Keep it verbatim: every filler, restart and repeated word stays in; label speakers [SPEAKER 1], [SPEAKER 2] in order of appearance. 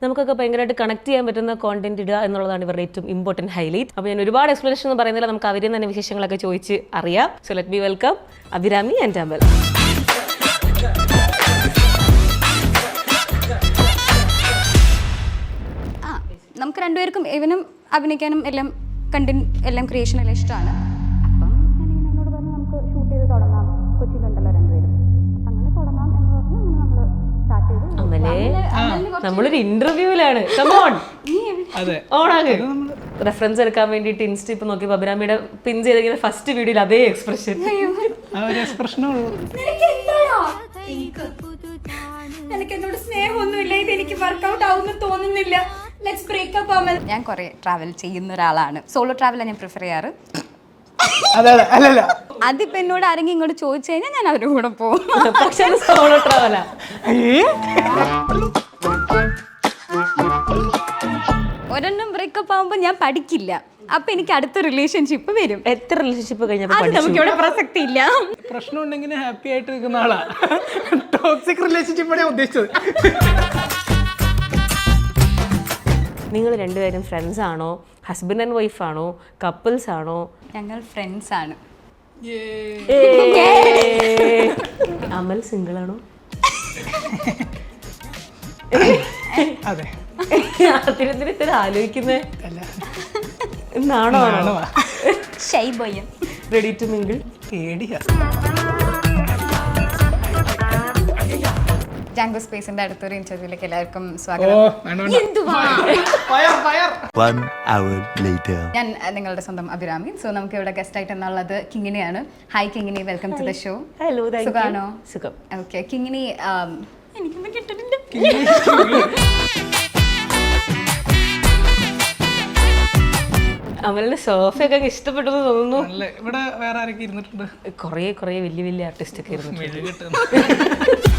[SPEAKER 1] നമുക്കൊക്കെ ഭയങ്കരമായിട്ട് കണക്ട് ചെയ്യാൻ പറ്റുന്ന കോണ്ടന്റ് ഇടുക എന്നുള്ളതാണ് ഇവരുടെ ഏറ്റവും ഇമ്പോർട്ടൻറ്റ് ഹൈലൈറ്റ്. അപ്പോൾ ഞാൻ ഒരുപാട് എക്സ്പ്ലനേഷൻ എന്ന് പറയുന്നില്ല, നമുക്ക് അവരിൽ തന്നെ വിശേഷങ്ങളൊക്കെ ചോദിച്ച് അറിയാം. So let be welcome Abhirami and Amal.
[SPEAKER 2] ആ നമുക്ക് രണ്ടുപേർക്കും ഇവനും അഭിനയിക്കാനും എല്ലാം കണ്ടന്റ് എല്ലാം ക്രിയേഷൻ എല്ലാം ഇഷ്ടമാണ്. അപ്പം ഞാനിങ്ങനെ എന്നോട് പറഞ്ഞു നമുക്ക് ഷൂട്ട് ചെയ്ത് തുടങ്ങാം, കൊച്ചിയിലുണ്ടല്ലോ രണ്ടുപേരും, അപ്പം അങ്ങനെ തുടങ്ങാം എന്ന് പറഞ്ഞ് അങ്ങനെ നമ്മൾ സ്റ്റാർട്ട് ചെയ്തു.
[SPEAKER 1] അമലേ നമ്മളൊരു ഇന്റർവ്യൂവിലാണ്. കമോൺ ഓണാകെ റെഫറൻസ് എടുക്കാൻ വേണ്ടിയിട്ട് ഇൻസ്റ്റ ഇപ്പൊ നോക്കി അഭിരാമിയുടെ പിൻ ചെയ്തിരിക്കുന്ന ഫസ്റ്റ് വീഡിയോയിൽ അതേ എക്സ്പ്രഷൻ.
[SPEAKER 2] എനിക്ക് എന്നോട് സ്നേഹമൊന്നുമില്ല, ഇത് എനിക്ക് വർക്ക്ഔട്ട് ആവുമെന്ന് തോന്നുന്നില്ല. Let's break up Amal. ഞാൻ കുറെ ട്രാവൽ ചെയ്യുന്ന ഒരാളാണ്. സോളോ ട്രാവലാണ് ഞാൻ പ്രിഫർ ചെയ്യാറ്. അതിപ്പോ എന്നോട് ആരെങ്കിലും ഇങ്ങോട്ട് ചോദിച്ചു കഴിഞ്ഞാൽ ഞാൻ അവരുടെ കൂടെ പോകും.
[SPEAKER 1] പക്ഷേ സോളോ ട്രാവലാ.
[SPEAKER 2] ഒരെണ്ണം ബ്രേക്കപ്പ് ആവുമ്പോൾ ഞാൻ പഠിക്കില്ല, അപ്പൊ എനിക്ക് അടുത്ത റിലേഷൻഷിപ്പ് വരും.
[SPEAKER 1] എത്ര റിലേഷൻഷിപ്പ് കഴിഞ്ഞപ്പോൾ
[SPEAKER 2] അത് നമുക്ക് ഇവിടെ പ്രസക്തി ഇല്ല.
[SPEAKER 3] പ്രശ്നം ഉണ്ടെങ്കിൽ ഹാപ്പി ആയിട്ട് നിൽക്കുന്ന ആളാ. ടോക്സിക് റിലേഷൻഷിപ്പാണ് ഞാൻ ഉദ്ദേശിച്ചത്.
[SPEAKER 1] നിങ്ങൾ രണ്ടുപേരും ഫ്രണ്ട്സ് ആണോ, ഹസ്ബൻഡ് ആൻഡ് വൈഫ് ആണോ, കപ്പിൾസ് ആണോ?
[SPEAKER 2] ഞങ്ങൾ ഫ്രണ്ട്സ് ആണ്.
[SPEAKER 1] അമൽ സിംഗിൾ ആണോ?
[SPEAKER 3] അതെ.
[SPEAKER 1] തിരുത്തിരി ആലോചിക്കുന്നേ നാണോ ആണോ?
[SPEAKER 2] Shy boy.
[SPEAKER 1] Ready to mingle.
[SPEAKER 3] പേടിയാ.
[SPEAKER 2] ജാങ്കോ സ്പേസിന്റെ അടുത്തൊരു ഇന്റർവ്യൂലേക്ക് എല്ലാവർക്കും സ്വാഗതം. ഞാൻ നിങ്ങളുടെ സ്വന്തം അഭിരാമി. സോ നമുക്ക് ഇവിടെ ഗസ്റ്റ് ആയിട്ട് എന്നുള്ളത് കിങ്ങിണിയാണ്. Hi Kingini, welcome to the show.
[SPEAKER 1] Hello,
[SPEAKER 2] സുഖാണോ?
[SPEAKER 1] സുഖം.
[SPEAKER 2] ഓക്കെ കിങ്ങിണി, എനിക്കൊന്നും കിട്ടുന്നില്ല.
[SPEAKER 1] അമലിന്റെ സോഫയൊക്കെ ഇഷ്ടപ്പെട്ടു തോന്നുന്നു.
[SPEAKER 3] ഇവിടെ വേറെ ആരൊക്കെ ഇരുന്നിട്ടുണ്ട്?
[SPEAKER 1] കൊറേ കൊറേ വലിയ വലിയ ആർട്ടിസ്റ്റ് ഒക്കെ ഇരുന്നു.